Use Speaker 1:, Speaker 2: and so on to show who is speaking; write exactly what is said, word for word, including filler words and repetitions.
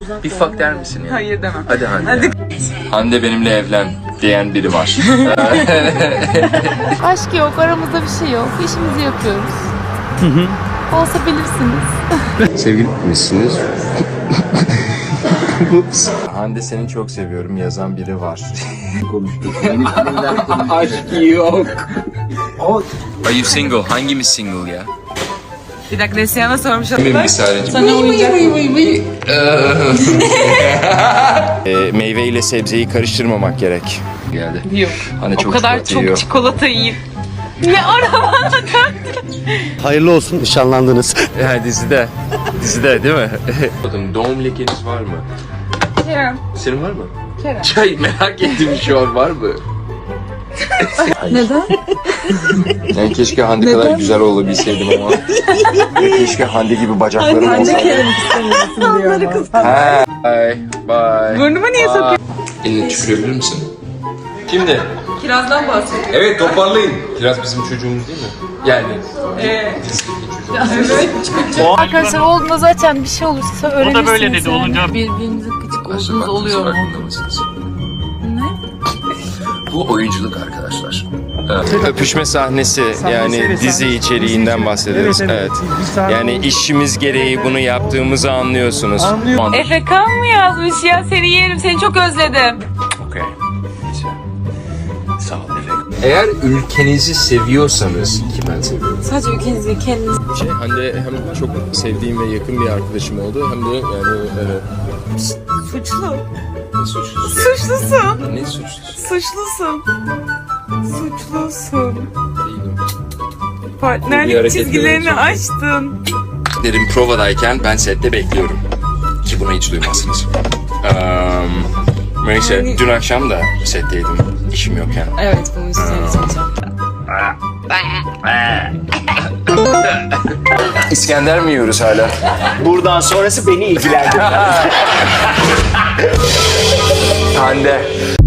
Speaker 1: Bir fuck der misin ya?
Speaker 2: Hayır demem.
Speaker 1: Hadi Hande.
Speaker 2: Hadi.
Speaker 1: Ya. Hande benimle evlen diyen biri var.
Speaker 3: Aşk yok, aramızda bir şey yok. İşimizi yapıyoruz. Olsa bilirsiniz.
Speaker 1: Sevgili misiniz? Hande seni çok seviyorum yazan biri var. Konuştuk. Aşk yok. Are you single? Hangimiz single ya?
Speaker 2: Bir dakika Neslihan'a sormuş
Speaker 1: Kimin
Speaker 2: oldular.
Speaker 1: bir sadece?
Speaker 2: Sana uyuyacak.
Speaker 1: e, meyve ile sebzeyi karıştırmamak gerek. Geldi.
Speaker 2: Yok.
Speaker 1: Hani
Speaker 2: O
Speaker 1: çok
Speaker 2: kadar
Speaker 1: çikolata
Speaker 2: çok
Speaker 1: yiyor.
Speaker 2: çikolata yiyip. Ne araba?
Speaker 4: Hayırlı olsun, nişanlandınız.
Speaker 1: Ya dizide. Dizide değil mi? Bakın doğum lekeniz var mı?
Speaker 2: Kerem.
Speaker 1: Senin var mı?
Speaker 2: Kerem.
Speaker 1: Çay merak ettim şu an var mı?
Speaker 2: Neden?
Speaker 1: Yani keşke Hande kadar güzel olabilseydim ama. Keşke Hande gibi bacaklarım olsaydı.
Speaker 2: Kerem istemiyorsun diyor ama.
Speaker 1: Bye. Bye.
Speaker 2: Burnuma niye sokuyorsun?
Speaker 1: Elini tükürebilir misin? Şimdi.
Speaker 2: Kirazdan bahsediyor.
Speaker 1: Evet toparlayın. Kiraz bizim çocuğumuz değil mi? Yani.
Speaker 2: Ee,
Speaker 3: Arkadaşlar olduğunda zaten bir şey olursa öğrenirsiniz.
Speaker 5: O da böyle dedi, olunca-
Speaker 3: Birbirinize gıcık
Speaker 1: Arkadaşlar,
Speaker 3: olduğunuz
Speaker 1: bak,
Speaker 3: oluyor mu?
Speaker 1: farkında mısınız? Bu oyunculuk arkadaşlar. Öpüşme sahnesi yani dizi içeriğinden bahsediyoruz. Evet. Yani işimiz gereği bunu yaptığımızı anlıyorsunuz.
Speaker 2: Efe Kan mı yazmış ya? Seni yerim, seni çok özledim.
Speaker 1: Okey. Güzel. Sağ ol Efe. Eğer ülkenizi seviyorsanız ki ben seviyorum.
Speaker 2: Sadece ülkenizi kendiniz.
Speaker 1: Şey, Hande hem çok sevdiğim ve yakın bir arkadaşım oldu hem de yani evet.
Speaker 2: Suçlu.
Speaker 1: Ne suçlusu?
Speaker 2: Suçlusun.
Speaker 1: Ne suçlusu?
Speaker 2: Suçlusun. Suçlusun.
Speaker 1: Değilim. Bir
Speaker 2: Partnerlik
Speaker 1: hareket
Speaker 2: çizgilerini
Speaker 1: görüyorum.
Speaker 2: açtın.
Speaker 1: Derim provadayken ben sette bekliyorum. Ki bunu hiç duymazsınız. Um, neyse
Speaker 2: Yani-
Speaker 1: dün akşam da setteydim işim yokken.
Speaker 2: Evet, bunu istiyorum.
Speaker 1: İskender mi yiyoruz hala?
Speaker 4: Buradan sonrası beni ilgilendirmez.
Speaker 1: Hande.